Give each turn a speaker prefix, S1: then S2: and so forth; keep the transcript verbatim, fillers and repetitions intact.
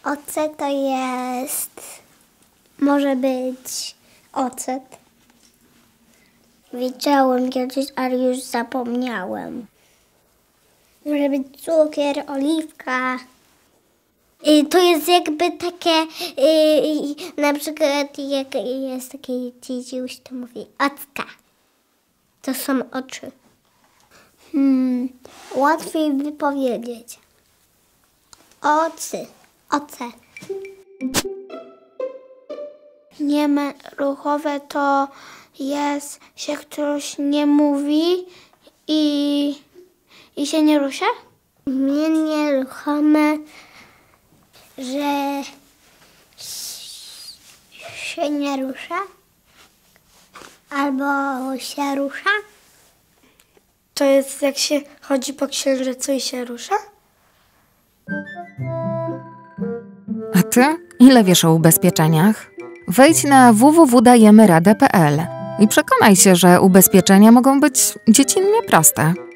S1: Oce to jest... Może być ocet. Wiedziałem kiedyś, ale już zapomniałem. Może być cukier, oliwka. I to jest jakby takie, yy, na przykład jak jest taki dzidziuś, to mówi ocka. To są oczy. Hmm, łatwiej wypowiedzieć. Ocy, oce. Nieruchowe to jest, się ktoś nie mówi i, i się nie rusza? Nie nieruchome, że się nie rusza albo się rusza. To jest jak się chodzi po księżycu i się rusza?
S2: A ty? Ile wiesz o ubezpieczeniach? Wejdź na w w w kropka dajemy radę kropka p l i przekonaj się, że ubezpieczenia mogą być dziecinnie proste.